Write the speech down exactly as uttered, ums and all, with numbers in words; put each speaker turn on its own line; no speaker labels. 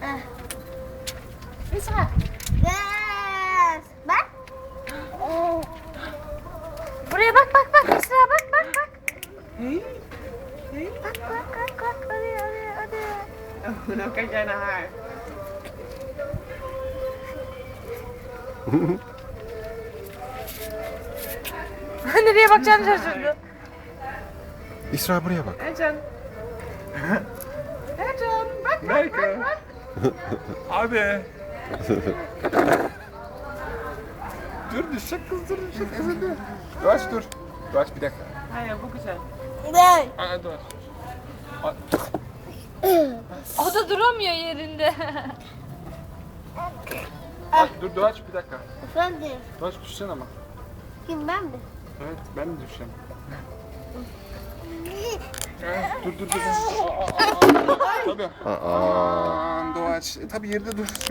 İsra.
Yes. Bak.
Buraya bak bak bak İsra bak bak bak.
Hey. Hey.
Bak bak bak bak oraya oraya oraya.
Nó cái chai này.
Nereye bakacağını şaşırdı.
İsra buraya bak.
Ercan. Ercan. Bak bak bak bak. Abi. Dur düşecek kız dur düşecek kız dur. Doğaç dur. Doğaç bir dakika. Hayır bu güzel.
Ben.
Aa Doğaç.
O da duramıyor yerinde.
Bak, dur Doğaç bir dakika.
Efendim.
Doğaç düşeceksin ama.
Kim ben mi?
Evet ben de düşeceğim. Evet, dur dur dur. Aa, aa, aa. Tabii.
Aa.
Aman Doğaç. Tabii yerde dur.